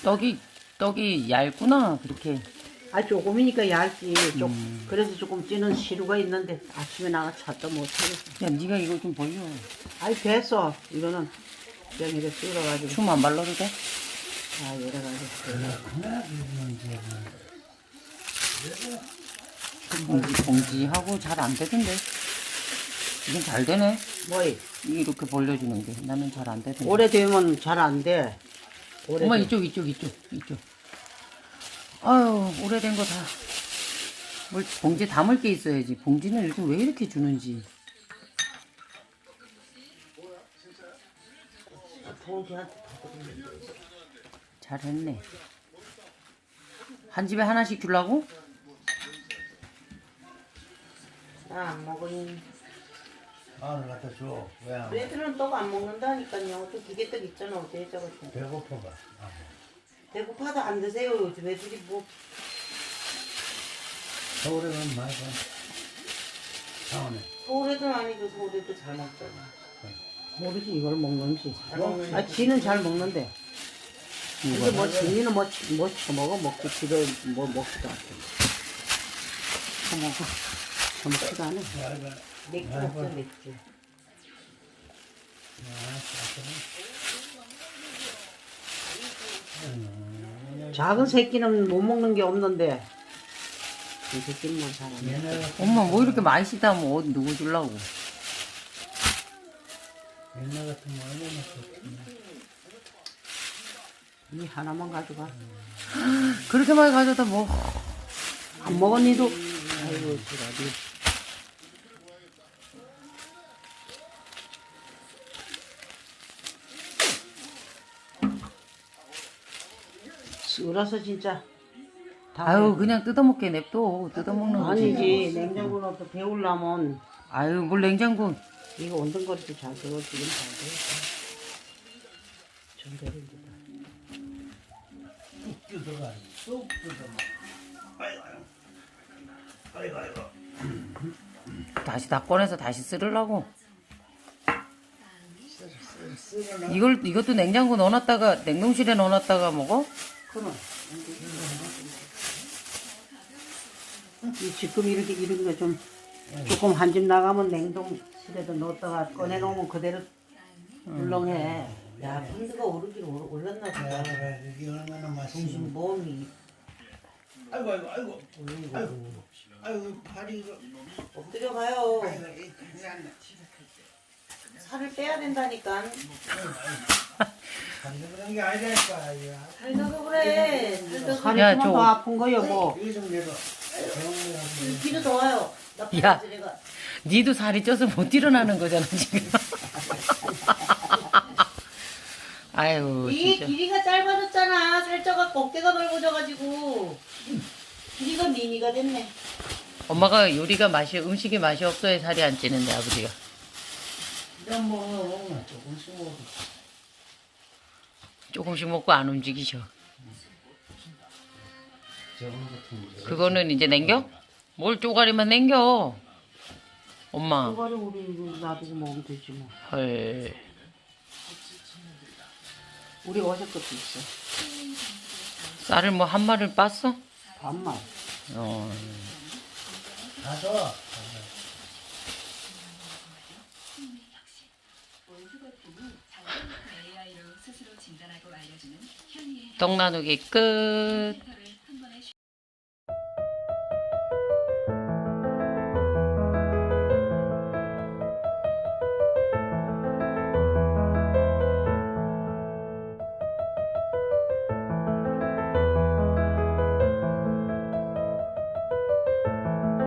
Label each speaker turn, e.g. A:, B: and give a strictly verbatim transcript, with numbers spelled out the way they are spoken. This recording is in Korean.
A: 떡이 떡이 얇구나 그렇게.
B: 아 조금이니까 얇지. 좀
A: 음.
B: 그래서 조금 찌는 시루가 있는데 아침에 나가 찾도 못하겠어.
A: 야 네가 이거 좀 벌려.
B: 아이 됐어. 이거는 그냥 이렇게 썰어가지고.
A: 춤 안 발라도 돼?
B: 아 여러 가지.
A: 봉지 봉지하고 잘 안 되던데. 이건 잘 되네.
B: 뭐이?
A: 이렇게 벌려주는 게 나는 잘 안 되던데.
B: 오래되면 잘 안 돼. 오래돼.
A: 엄마 이쪽 이쪽 이쪽 이쪽. 아유 오래된 거 다. 뭘 봉지 담을 게 있어야지. 봉지는 요즘 왜 이렇게 주는지.
B: 봉지한테
A: 잘했네. 한 집에 하나씩 주려고?
B: 나안 먹으니.
C: 마늘 갖다 줘. 왜 안 먹어?
B: 애들은 떡 안 먹는다니까요. 또 기계떡 있잖아. 어때 저거.
C: 배고파봐. 아,
B: 배고파도 안 드세요. 요즘 애들이 뭐.
C: 서울에 가면 많이 봐. 상원에.
B: 서울애들 아니고 서울애들 잘 먹잖아. 모르지 이걸 먹는지.
C: 잘 먹는
B: 아 지는 잘 먹는데. 근데 뭐 지니는 뭐, 치- 뭐 처먹어 먹고 지도 뭐 먹지도 않고. 처먹어. 처먹지도 않아.
C: 야, 이거.
B: 맥주
C: 야,
B: 먹자
C: 이거.
B: 맥주.
C: 야,
B: 작은 새끼는 못 먹는 게 없는데. 이 새끼는 뭐 잘 안 먹어.
C: 옛날,
A: 엄마 뭐 이렇게 맛있다 뭐 어디 누구 주려고.
C: 옛날 같으면 얼마나 좋겠나.
B: 이 하나만 가져가.
A: 그렇게 많이 가져다 뭐.
B: 안 먹은 니도. 아이고 지랄이. 썰어서 진짜. 다
A: 아유 그냥 뜯어먹게 냅둬. 뜯어먹는 거지.
B: 아니지 냉장고로 또 데우려면
A: 아유 뭘 냉장고.
B: 이거 온등거리도 잘 되고 지금 잘 되겠다. 좀 되는데.
C: 쑥 뜯어가. 쑥 뜯어가. 아이고, 아이고. 아이고, 아이고.
A: 다시 다 꺼내서 다시 쓸으려고.
C: 쓰거나.
A: 이걸 이것도 냉장고 넣어놨다가 냉동실에 넣어놨다가 먹어?
B: 그럼. 이 지금 이렇게 이런 거 좀 조금 한 집 나가면 냉동실에도 넣었다가 꺼내 놓으면 그대로 물렁해. 야, 펀드가 오르긴 올- 올랐나
C: 야,
B: 보다.
C: 그래. 이게 얼마나 맛있는.
B: 중심 몸이
C: 아이고, 아이고, 아이고. 아이고, 아이고, 팔이 이거.
B: 엎드려 가요.
C: 아이고, 이 큰일 났네.
B: 살을 빼야 된다니까.
C: 간도 그런 게 아니라니까. 야.
B: 살도 그래. 살도 살이
A: 야,
B: 좀
A: 저-
B: 더 아픈 거요 뭐.
C: 이거 좀 내려. 병원에 가서.
B: 길이 더 와요. 나
A: 야.
B: 내가.
A: 니도 살이 쪄서 못 일어나는 거잖아 지금. 아유
B: 이
A: 진짜.
B: 길이가 짧아졌잖아. 살쪄가 어깨가 넓어져가지고 길이가 미니가 됐네.
A: 엄마가 요리가 맛이 음식이 맛이 없어야 살이 안 찌는데 아버지가.
C: 그냥 뭐 조금씩 먹어.
A: 조금씩 먹고 안 움직이셔.
C: 저거 같은 거.
A: 그거는 이제 냉겨? 뭘 쪼가리만 냉겨. 엄마.
B: 그거를 우리 이거 놔두고 먹으면 되지 뭐.
A: 헐.
B: 우리 어제 것도 있어.
A: 쌀을 뭐 한 마리를 빻어?
B: 반말.
A: 어.
C: 가서.
A: 떡 나누기 끝.